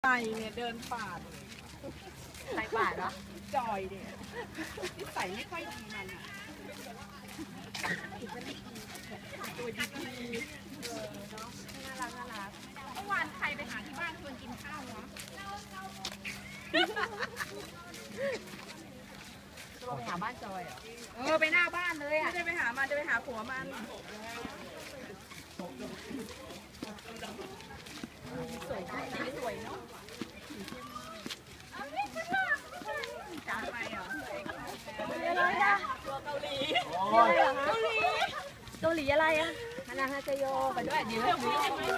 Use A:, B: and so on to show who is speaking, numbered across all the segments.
A: เนี่ยเดินป่า
B: ใส่บาทเหรอ
A: จอยเนี่ยนิสัยไม่ค่อยดีมันอ่ะตัวดี
B: เนาะน่ารักน่ารักเมื่อวานใครไปหาที่บ้านชวนกินข้าววะเราไปหาบ้านจอยเหรอไปหน้าบ้านเลยอ่ะ
A: ไม่ได้ไปหามันจะไปหาผัวมัน
B: สวยสวยเนาะ
A: จ้าไปเหรอ
B: อะไรอะเกาหลีอะไรอะฮานาฮาเซโยไปด้วยเดี๋ยวไม่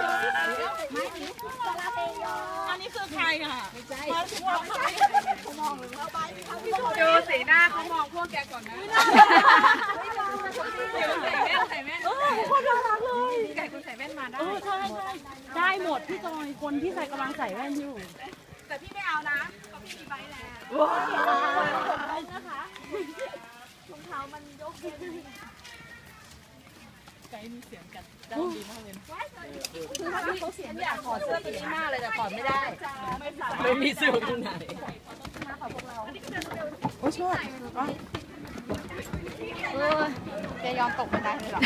B: ซาลาเปโย
A: อันนี้คือใครอ่ะ
B: ไม่ใช่
A: เขามองเลยว่าดูสีหน้าเขามองพวกแกก่อนนะใส่แว่น
C: คนน่ารักเลย
A: ไก่คุณใส่แว่นมาได้
C: ใช่ได้หมดพี่จอยคนที่ใส่กำลังใส่แว่นอยู่
A: แต่พี่ไม่เอานะเพราะพี่มีใบแล้ว
C: ว้าว
B: นะคะรองเท้ามันยกเย็น
C: ไก่มีเสียงกัดจ้าดีมากเลย
B: คือถ้าพี่เขาเสียงอยากถอดเสื้อตัวนี้มากเลยแต่ถอดไม่ได้
C: ไม่มีเสื้อตรงไหน
A: โอ้ชอบ
B: จะยอมตกบันไดเลยเหรอ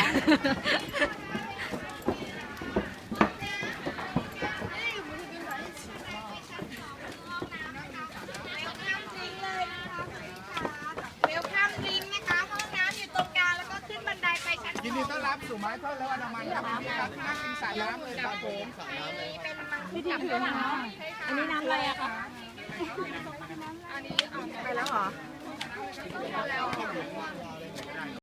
D: เวลคัมดริงนะคะห้องน้ำอยู่ตรงกลางแล้วก็ขึ้นบันไดไปชั้น
E: ยินดีต้อนรับสู่ไม้ทอดและอนามัยครับพี่ครับที่นั่งกินสระน้ำเลยครับผม
D: นี้เป็นมังคุด
C: ดีเลยนะอันนี้น้ำอะไรอะคะ
A: ไปแล้วเหรอ